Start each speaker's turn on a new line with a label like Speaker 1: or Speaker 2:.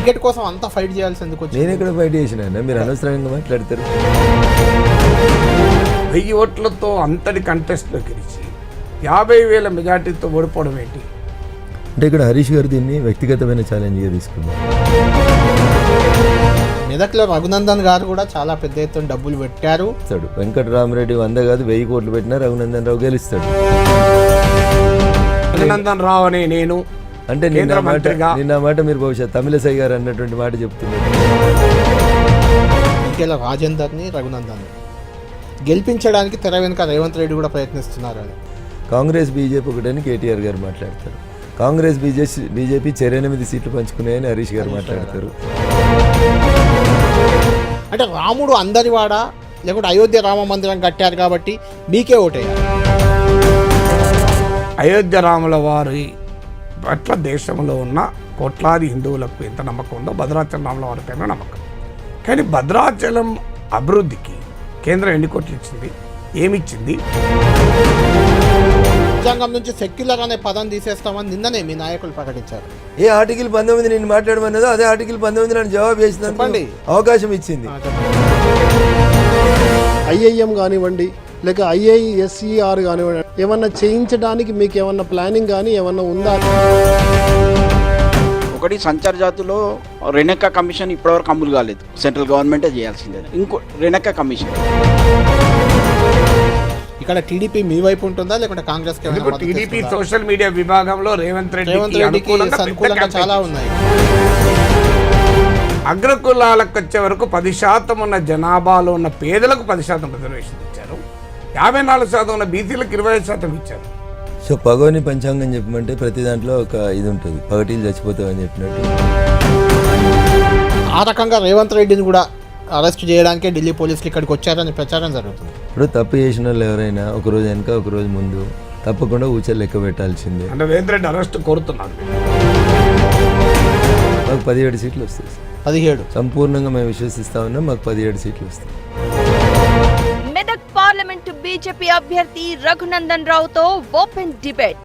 Speaker 1: Ticket కోసం అంత fight చేయాల్సి ఎందుకు వచ్చింది?
Speaker 2: నేను ఇక్కడ ఫైట్ చేసిన, మీరు అనవసరంగా మాట్లాడతారు.
Speaker 3: 1000 ఓట్లతో అంతటి కంటెస్ట్లో గెలిచి 50,000 మెజార్టీతో ఓడిపోవడం ఏంటి?
Speaker 2: అంటే ఇక్కడ హరీష్ గారు దీన్ని వ్యక్తిగతమైన ఛాలెంజ్గా తీసుకున్నారు.
Speaker 1: మెదక్లో రఘునందన్ గారు కూడా చాలా పెద్ద ఎత్తున డబ్బులు పెట్టారు.
Speaker 2: వెంకటరామరెడ్డి 100 కాదు 1000 కోట్లు పెట్టినా రఘునందన్ రావు గెలుస్తాడు.
Speaker 3: రఘునందన్ రావు అనే నేను
Speaker 2: అంటే నిన్న మాట మీరు బహుశా తమిళసై గారు అన్నటువంటి మాట చెప్తున్నారు.
Speaker 1: ఇంకెలా రాజేందర్ని రఘునందన్ గెలిపించడానికి తెర వెనుక రేవంత్ రెడ్డి కూడా ప్రయత్నిస్తున్నారు అని.
Speaker 2: కాంగ్రెస్ బీజేపీ ఒకటని కేటీఆర్ గారు మాట్లాడతారు. కాంగ్రెస్ బీజేపీ 8 సీట్లు పంచుకున్నాయని హరీష్ గారు మాట్లాడతారు.
Speaker 1: అంటే రాముడు అందరివాడ లేకుంటే అయోధ్య రామ మందిరం కట్టారు కాబట్టి మీకే ఓటేయాలి.
Speaker 3: అయోధ్య రాముల వారి పట్ల దేశంలో ఉన్న కోట్లాది హిందువులకు ఎంత నమ్మకం ఉందో భద్రాచలం రాముల వారి పైన నమ్మకం. కానీ భద్రాచలం అభివృద్ధికి కేంద్రం ఎన్ని కోట్లు ఇచ్చింది, ఏమిచ్చింది?
Speaker 1: రాజ్యాంగం నుంచి సెక్యులర్ అనే పదం తీసేస్తామని నిన్ననే మీ నాయకులు ప్రకటించారు.
Speaker 2: ఏ ఆర్టికల్ 19 నేను మాట్లాడమన్నదో అదే ఆర్టికల్ 19 నన్ను జవాబు చేసింది, అవకాశం ఇచ్చింది.
Speaker 4: ఐఐఎం కానివ్వండి లేక ఐఐఎస్ఈఆర్ కానివ్వండి, ఏమన్నా చేయించడానికి మీకు ఏమన్నా ప్లానింగ్ కానీ ఏమన్నా ఉందా?
Speaker 5: ఒకటి సంచార జాతులో రెనెక్కా కమిషన్ ఇప్పటివరకు అమలు కాలేదు, సెంట్రల్ గవర్నమెంటే చేయాల్సిందే. ఇంకో రెనెక్కా కమిషన్
Speaker 1: ఇక్కడ టీడీపీ మీ వైపు ఉంటుందా లేకుంటే కాంగ్రెస్?
Speaker 3: టీడీపీ సోషల్ మీడియా విభాగంలో రేవంత్ రెడ్డికి
Speaker 1: అనుకూలంగా చాలా ఉన్నాయి.
Speaker 3: అగ్రకులాలకు వచ్చే వరకు 10% ఉన్న జనాభాలో ఉన్న పేదలకు 10% రిజర్వేషన్ ఇచ్చారు. 54% ఉన్న బీసీలకు 25% ఇచ్చారు.
Speaker 2: సో పగోని పంచాంగం చెప్పమంటే ప్రతి దాంట్లో ఒక ఇది ఉంటుంది, పగటీలు చచ్చిపోతామని చెప్పినట్టు.
Speaker 1: ఆ రకంగా రేవంత్ రెడ్డిని కూడా అరెస్ట్ చేయడానికే ఢిల్లీ పోలీసులు ఇక్కడికి వచ్చారని ప్రచారం జరుగుతుంది.
Speaker 2: ఇప్పుడు తప్పు చేసిన వాళ్ళు ఎవరైనా ఒకరోజు వెనక ఒకరోజు ముందు తప్పకుండా ఊచలు లెక్క పెట్టాల్సిందే.
Speaker 3: అంటే రేవంత్ రెడ్డి అరెస్ట్ కోరుతున్నారు.
Speaker 2: మాకు 17 సీట్లు వస్తాయి.
Speaker 1: 17
Speaker 2: సంపూర్ణంగా మేము విశ్వసిస్తా ఉన్నాం. మాకు 17 సీట్లు వస్తాయి.
Speaker 6: మెదక్ పార్లమెంటు బీజేపీ అభ్యర్థి రఘునందన్ రావుతో ఓపెన్ డిబేట్.